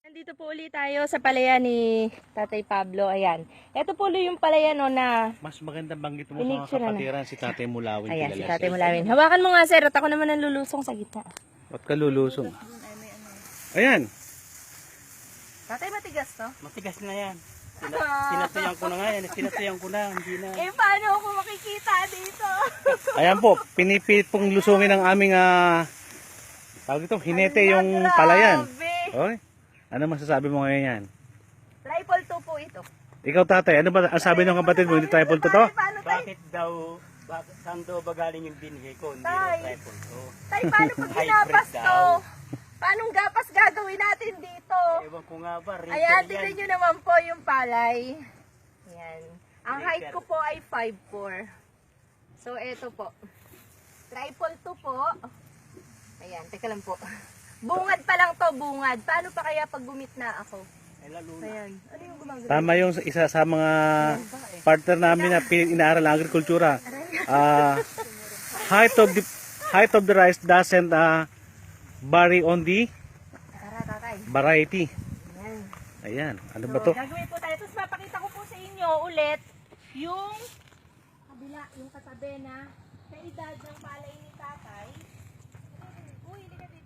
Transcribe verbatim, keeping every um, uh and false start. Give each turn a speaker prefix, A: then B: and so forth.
A: Nandito po ulit tayo sa palaya ni Tatay Pablo. Ayan. Ito po ulit yung palaya no na...
B: Mas magandang banggit mo sa mga
A: Pinicture na.
B: kapatiran si Tatay Mulawin.
A: Ayan, si
B: kilala
A: Tatay
B: siya.
A: Mulawin. Hawakan mo nga sir at ako naman ang lulusong sa gitna.
B: Ba't ka lulusong? Ayan.
A: Tatay, matigas to?
C: Matigas na yan. Sinatuyan ko na nga yan. Sinatuyan ko na. Hindi na.
A: Eh, paano ako makikita dito?
B: Ayan po, pinipilit pong lusungin ng aming ah, tawag ito, hinete yung palayan. Oy, ano masasabi mo ngayon yan?
A: Triple two po ito.
B: Ikaw tatay, ano ba ang sabi ng kapatid mo? Hindi triple to to?
A: Paano tayo?
C: Bakit daw, bakit saan daw ba galing yung binigay ko? Hindi
A: Tay.
C: raw tripod. Oh.
A: Tay, paano pag
C: Hybrid
A: ginapas to?
C: daw.
A: Paanong gapas gagawin natin dito?
C: Ewan ko nga ba, retail
A: Ayan,
C: yan.
A: tignan nyo naman po yung palay. Ayan. Ang height ko po ay five four. So, eto po. Triple two po. Ayan, teka lang po. Bungad pa lang to, bungad. Paano pa kaya pag gumit na ako?
C: Ay, lalo na.
A: Ayan. Ano yung gumagano?
B: Tama yung isa sa mga partner namin na pin- inaaral ng agrikultura. Ah, height of the height of the rice doesn't uh, vary on the
A: Tara, tatay.
B: variety.
A: Ayan.
B: Ayan, ano ba
A: So,
B: to?
A: gagawin po tayo. Tapos papakita ko po sa inyo ulit yung kabila, yung katabi na sa edad ng palay ni tatay. Uy, hindi ka dito.